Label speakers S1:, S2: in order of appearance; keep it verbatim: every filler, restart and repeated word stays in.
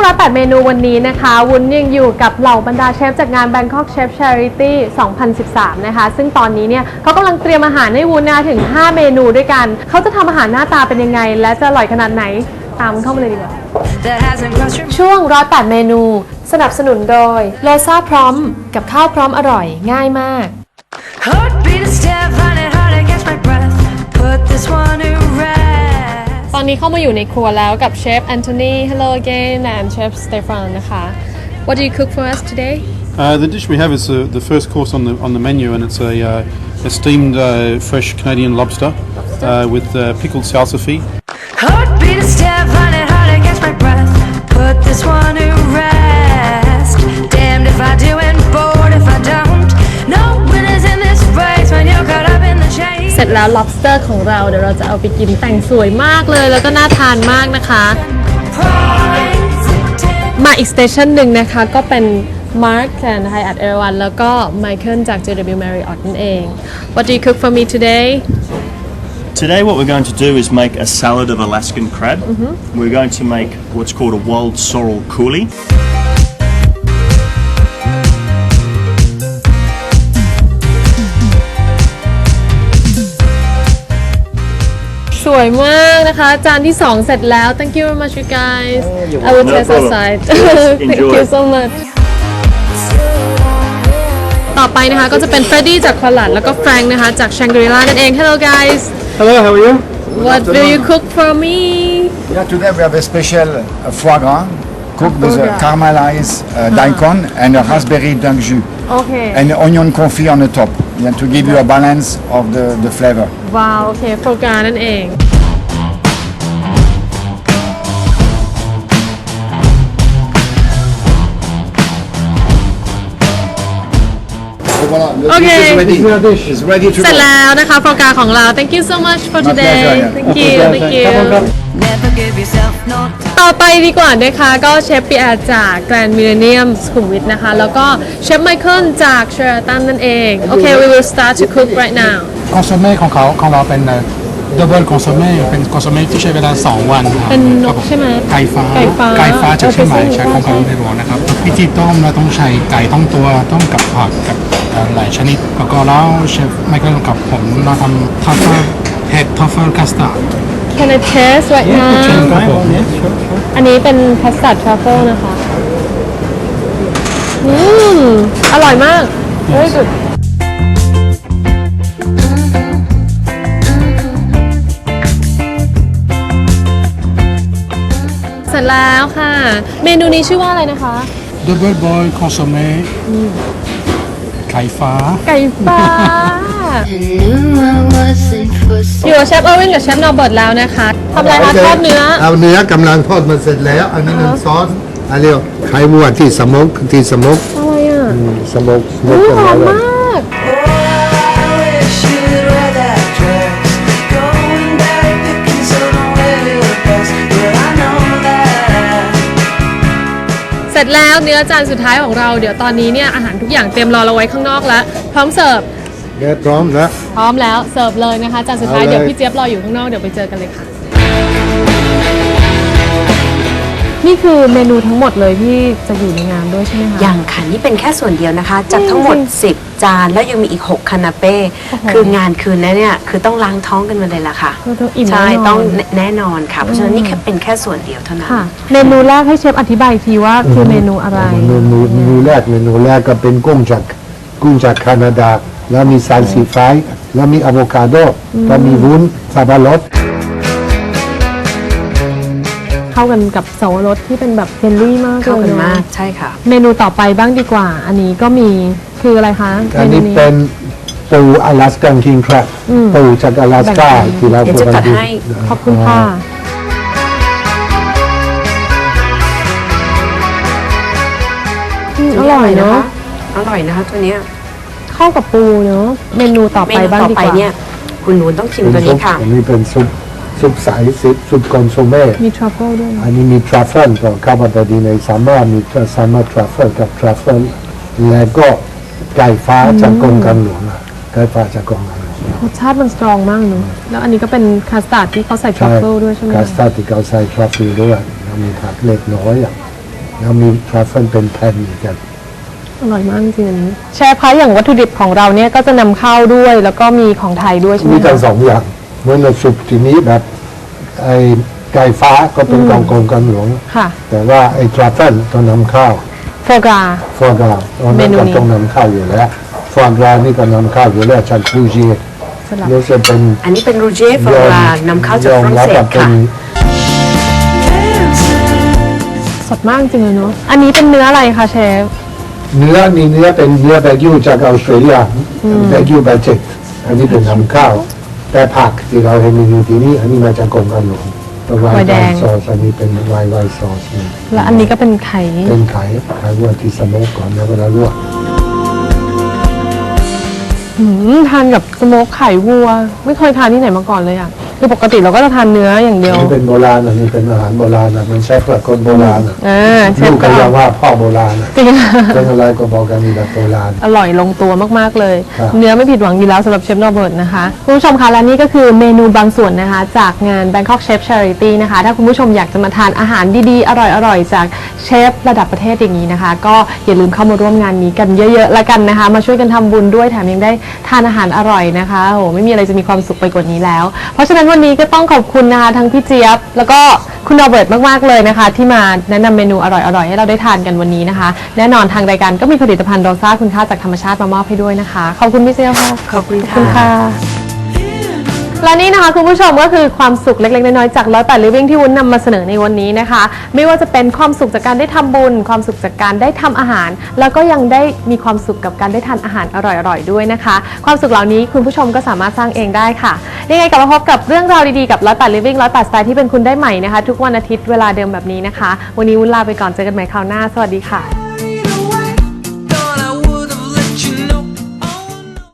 S1: ร้อยแปดเมนูวันนี้นะคะวุ้นยังอยู่กับเหล่าบรรดาเชฟจากงาน Bangkok Chef Charity สองพันสิบสามนะคะซึ่งตอนนี้เนี่ยเขากำลังเตรียมอาหารให้วุ้นนะถึงห้าเมนูด้วยกันเขาจะทำอาหารหน้าตาเป็นยังไงและจะอร่อยขนาดไหนตามเข้ามาเลยดีกว่าช่วงร้อยแปดเมนูสนับสนุนโดยโลซาพร้อมกับข้าวพร้อมอร่อยง่ายมากตอนนี้เข้ามาอยู่ในครัวแล้วกับเชฟแอนโทนี Hello again and Chef Stefan นะคะ What do you cook for us today?
S2: Uh, the dish we have is uh, the first course on the on the menu, and it's a, uh, a steamed uh, fresh Canadian lobster, lobster? Uh, with uh, pickled salsify. Heartbeat a step, honey, hard to catch my breath. Put this one to rest. Damned if I do and bored if I don't. No winners in this race when you're caught up in the chase. เสร็จแล้ว lobster ของเราเดี๋ยวเราจะเอาไปกินแต่งสวยมากเลยแล้วก็น่าทานมากนะคะมาอีกสเตชันหนึ่งนะคะก็เป็น Mark and Hyatt Erawan แล้วก็ Michael จาก เจ ดับเบิลยู Marriott นั่นเอง What do you cook for me today?
S3: Today what we're going to do is make a salad of Alaskan crab. Mm-hmm. We're going to make what's called a wild sorrel coulis. สวยมากนะคะจานที่สองเสร็จแล้ว Thank you very much you guys I will taste outside Thank you so much ต่อไปนะคะก็จะเป็น Freddy จากควาลัดแล้วก็ Frank นะคะจาก Shangri-La นั่นเอง Hello guys
S4: Hello how are you
S1: What do you cook for me
S4: Yeah today we have a special uh, foie gras cooked with a caramelized uh, daikon and a raspberry dunk jus
S1: Okay
S4: and onion confit on the top yeah, to give you a balance of the the flavor
S1: ว้าวโอเคโฟกานั่นเองโอเค
S4: It's ready to
S1: เสร็จแล้วนะคะโฟกาของเรา Thank you so much for today Thank you Thank you ต่อไปดีกว่านะคะก็เชฟปีแอร์จาก Grand Millennium สุขุมวิทนะคะแล้วก็เชฟไมเคิลจาก Sheraton นั่นเองโอเค we will start to cook right now
S5: คอนโซเม่ของเขาของเราเป็นดับเบิลคอนโซเม่เป็นคอนโซเม่ที่ใช้เวลาสองวันครับ
S1: เป็นนกใช่ไหม
S5: ไก่ฟ้า
S1: ไก่ฟ้า
S5: ไก่ฟ้าจากเชียงใหม่
S1: เออ
S5: ใช้ของเขาในหลวงนะครับวิธีต้มเราต้องใช้ไก่ต้องตัวต้มกับผักกับหลายชนิดแล้วก็แล้วเชฟไมเคิลกับผมเราทำทัฟเฟิลเห็ดทัฟเฟิลคัสตาร์ด
S1: Can I taste right now
S5: เชิญครับผม
S1: อันนี้เป็นคัสตาร์ดทรัฟเฟิลนะคะอืมอร่อยมาก very good เสร็จแล้วค่ะเมนูนี้ชื่อว่าอะไรนะคะ
S5: ดับเบิลบอยคอนโซเม่ไก่ฟ้า
S1: ไก่ฟ้าอยู่กับเชฟเออร์วินกับเชฟนอร์เบิร์ตแล้วนะคะทำอะไรคะทอดเนื้อ
S6: เอาเนื้อกำลังทอดมันเสร็จแล้ว อันนี้น้ำซอสอันนี้ไข่วัวที่สโมกที่สโมก
S1: อะไรอ่ะ
S6: สโมกสโม
S1: อุ๊
S6: ก
S1: ย
S6: กัน
S1: หอ
S6: แล้
S1: ม
S6: ว
S1: มาก เสร็จแล้วเนื้อจานสุดท้ายของเราเดี๋ยวตอนนี้เนี่ยอาหารทุกอย่างเตรียมรอเราไว้ข้างนอกแล้วพร้อมเสิร์ฟ
S6: เนื้อพร้อมแล้ว
S1: พร้อมแล้วเสิร์ฟเลยนะคะจานสุดท้าย
S6: เอาเลย
S1: เดี๋ยวพี่เจี๊ยบรออยู่ข้างนอกเดี๋ยวไปเจอกันเลยค่ะนี่คือเมนูทั้งหมดเลยที่จะอยู่ในงานด้วยใช่ไหมคะ
S7: ยังค่ะนี่เป็นแค่ส่วนเดียวนะคะจากทั้งหมด
S1: จริง
S7: สิบ จานแล้วยังมีอีก หก คานาเป้
S1: โอ้โห
S7: คืองานคืนนั้นเนี่ยคือต้องล้างท้องกันมาเลยล่ะค่ะ
S1: คือต้องอิ่ม
S7: ใช่
S1: แน่นอน
S7: ต้องแน่นอนค่ะ เพราะฉะนั้นนี่แค่เป็นแค่ส่วนเดียวเท่านั้น
S1: ค่ะเมนูแรกให้เชฟอธิบายอีกทีว่าคือเมนูอะไร
S6: เมนูเมนูแรกเมนูแรกก็เป็นกุ้งจากกุ้งจากแคนาดา แล้วมีซาลซีไฟแล้วมีอะโวคาโดแล้วมีวุ้นสับปะรด
S1: เข้ากันกับสวรสที่เป็นแบบเฟรนลี่มาก
S7: เข้ากัน
S1: ลยะ
S7: มากใช่ค่ะ
S1: เมนูต่อไปบ้างดีกว่า อันนี้ก็มีคืออะไรคะ
S6: อันนี้
S1: ม
S6: เป็นปูอลาสกันคิงแครบปูจากอลาสกาที่เรา
S7: เดี๋ยวจะจัดให้
S1: ขอบคุณค่ะอืมอร่อยเนาะ
S7: อร่อยนะคะตัวเนี้ย
S1: เข้ากับปูเนาะเมนูต่อ
S7: เม
S1: ไป
S7: นู
S1: บ้าง
S7: ต่อ
S1: ดี
S7: ไป
S1: กว่า
S7: เนี่ยคุณหนูต้องชิมตัว
S6: ซุ
S7: นี้
S6: ป
S7: ค่ะ
S6: อันนี้เป็นซุปซุปใสซุปซุปคอนโซเม่
S1: มีทรัฟเฟิลด้วย
S6: อันนี้มีทรัฟเฟิลก็เข้ามาพอดีในซัมเมอร์มีซัมเมอร์ทรัฟเฟิลกับทรัฟเฟิลแล้วก็ไก่ฟ้าจากกรมการหลวงอะไก่ฟ้าจากกรมการหลวง
S1: รสชาติมันสตรองมากเนาะแล้วอันนี้ก็เป็นคัสตาร์ดที่เขาใส่ทรัฟเฟิลด้วยใช่ไหม
S6: คั
S1: คะ
S6: สตาร์ดที่เขาใส่ทรัฟเฟิลด้วยแล้วมีผักเล็กน้อยอ่ะ
S1: อ
S6: แล้วมีทรัฟเฟิลเป็นแผ่นอีกกัน
S1: อร่อยมากจริงๆอันนี้เชฟคะอย่างวัตถุดิบของเราเนี่ยก็จะนำเข้าด้วยแล้วก็มีของไทยด้วยใช่ไหม
S6: มีทั้ง
S1: คะ
S6: สองอย่างเหมื่อนสุปที่นี้แบบไอ้ไก่ฟ้าก็เป็นของกรมการหลวง
S1: ค่ะ
S6: แต่ว่าไอ้ทรัฟเฟิลต้องนำเข้า
S1: โฟกรา
S6: ฟอร์กราตอน
S1: เม
S6: นั้น
S1: นู
S6: ก็
S1: นี้
S6: ต้องนำเข้าอยู่แล้วฟอร์กรานี่ก็นำเข้าอยู่แล้วจากฟูจิ
S1: สลับ
S6: นี่จะเป็น
S7: อันนี้เป็นรูเจฟรานำเข้าจากฝรั่งเศสค่ะ
S1: สดมากจริงเลยเนาะอันนี้เป็นเนื้ออะไรคะเชฟ
S6: เนื้อนี่เนื้อเป็นเนื้อแบกิวจากออสเตรเลียแบกิวแบเจ็กอันนี้เป็นนำเข้าแต่ผักที่เราเห็นอยู่ที่นี่อันนี้มาจากกรมการหลวงไวน์ไวน์ซอสอันนี้เป็นไวน์ไวน์ซอสนี่
S1: และอันนี้ก็เป็นไข่
S6: เป็นไข่ไข่วัวที่สโมกก่อนแล้วเวลาลวก
S1: หืมทานกับสโมกไข่วัว ไม่เคยทานที่ไหนมาก่อนเลยอ่ะคือปกติเราก็จะทานเนื้ออย่างเดียว
S6: อันนี้เป็นโบราณอันนี้เป็นอาหารโบราณนะมันใช้เพื่อคนโบราณอ่ะ
S1: อ่าเช
S6: ลู
S1: ฟ
S6: ก
S1: ก็
S6: ก็ยังว่าพ่อโบราณอ่ะ
S1: จริง
S6: เป็นอะไรก็บอกกันนี่แบบโบราณ
S1: อร่อยลงตัวมากๆเลย
S6: ครับ
S1: เนื้อไม่ผิดหวังอยู่แล้วสำหรับเชฟโรเบิร์ตนะคะคุณผู้ชมคะและนี่ก็คือเมนูบางส่วนนะคะจากงาน Bangkok Chef Charity นะคะถ้าคุณผู้ชมอยากจะมาทานอาหารดีๆ อร่อยๆ จากเชฟระดับประเทศอย่างนี้นะคะ ก็อย่าลืมเข้ามาร่วมงานนี้กันเยอะๆละกันนะคะ มาช่วยกันทำบุญด้วยแถมยังได้ทานอาหารอร่อยนะคะโอ้โหไม่มีอะไรจะมีความสุขไปกว่านี้แล้ว เพราะฉะนั้นวันนี้ก็ต้องขอบคุณนะคะทั้งพี่เจี๊ยบแล้วก็คุณโรเบิร์ตมากๆเลยนะคะ ที่มาแนะนำเมนูอร่อยๆให้เราได้ทานกันวันนี้นะคะ แน่นอนทางรายการก็มีผลิตภัณฑ์โรซ่าคุณค่าจากธรรมชาติมามอบให้ด้วยนะคะขอบคุณพี่เจี๊ยบค่ะ
S7: ขอบคุณ
S1: ขอบคุณ
S7: ค่ะ
S1: ค่ะ และนี่นะคะคุณผู้ชมก็คือความสุขเล็กๆน้อยๆจากร้อยแปด Living ที่วุ้นนำมาเสนอในวันนี้นะคะ ไม่ว่าจะเป็นความสุขจากการได้ทำบุญ ความสุขจากการได้ทำอาหาร แล้วก็ยังได้มีความสุขกับการได้ทานอาหารอร่อยๆด้วยนะคะ ความสุขเหล่านี้คุณผู้ชมก็สามารถสร้างเองได้ค่ะยังไงกลับมาพบกับเรื่องราวดีๆกับร้อยแปด Living ร้อยแปด Style ที่เป็นคุณได้ใหม่นะคะ ทุกวันอาทิตย์เวลาเดิมแบบนี้นะคะ วันนี้วุ้นลาไปก่อนเจอกันใหม่คราวหน้าสวัสดีค่ะ